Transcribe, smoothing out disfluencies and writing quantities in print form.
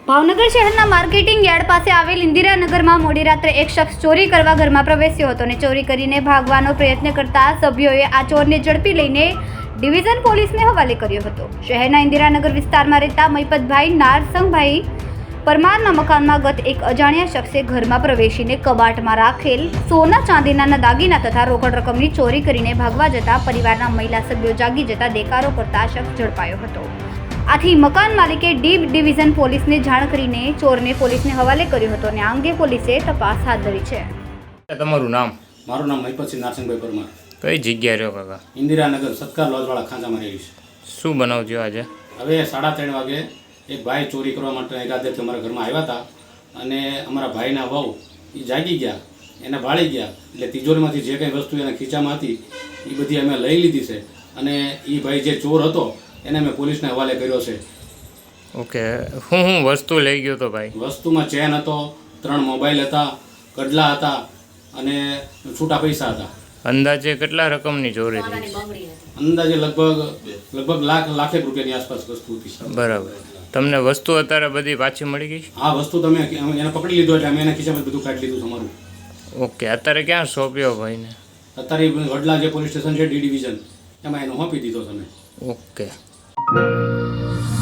ભાવનગર શહેરના marketing yard પાસે આવેલ ઇન્દિરાનગરમાં મોડી રાત્રે એક શખ્સ ચોરી કરવા ઘરમાં પ્રવેશ્યો હતો અને ચોરી કરીને ભાગવાનો પ્રયત્ન કરતા સભ્યોએ આ ચોરને ઝડપી લઈને ડિવિઝન પોલીસને હવાલે કર્યો હતો. શહેરના ઇન્દિરાનગર વિસ્તારમાં રહેતા મૈપતભાઈ નારસંગભાઈ પરમારના મકાનમાં ગત એક અજાણ્યા શખ્સે ઘરમાં પ્રવેશીને કબાટમાં રાખેલ સોના ચાંદીના દાગીના તથા રોકડ રકમની ચોરી કરીને ભાગવા જતા પરિવારના મહિલા સભ્યો જાગી જતા દેકારો કરતા શખ્સ ઝડપાયો હતો. આથી મકાન માલિકે ડિવિઝન પોલીસને જાણ કરીને ચોરને પોલીસને હવાલે કર્યો હતો અને આ અંગે પોલીસે તપાસ હાથ ધરી છે. તમારું નામ? મારું નામ મહિપતસિંહ નારસિંહભાઈ પરમાર. કઈ જગ્યાએ રહ્યો કાકા? ઇન્દિરાનગર સત્કાર લોજવાળા ખાંચામાં રહેલી છે. શું બનાવ થયો આજે? હવે 3:30 વાગે એક ભાઈ ચોરી કરવા માટે ઈરાદેથી અમારા ઘરમાં આવ્યા હતા અને અમારા ભાઈના વહુ એ જાગી ગયા, એને ભાળી ગયા. એટલે તિજોરીમાંથી જે કંઈ વસ્તુ એના ખીચામાં હતી એ બધી અમે લઈ લીધી છે અને એ ભાઈ જે ચોર હતો એને અમે પોલીસને હવાલે કર્યો છે. ઓકે, હું વસ્તુ લઈ ગયો તો ભાઈ? વસ્તુમાં ચેન હતો, 3 મોબાઈલ હતા, કડલા હતા અને છૂટા પૈસા હતા. અંદાજે કેટલા રકમની ચોરી થઈ? અંદાજે લગભગ લાખેક રૂપિયાની આસપાસ વસ્તુ હતી. બરાબર. તમને વસ્તુ અત્યારે બધી પાછી મળી ગઈ? આ વસ્તુ તમે એને પકડી લીધો એટલે અમે એના ખિસ્સામાં બધું કાઢી લીધું તમારું. ઓકે, અત્યારે ક્યાં સોંપ્યો ભાઈને? અત્યારે વડલા જે પોલીસ સ્ટેશન છે ડી ડિવિઝન એમાં એને સોંપી દીધો તમે. ઓકે.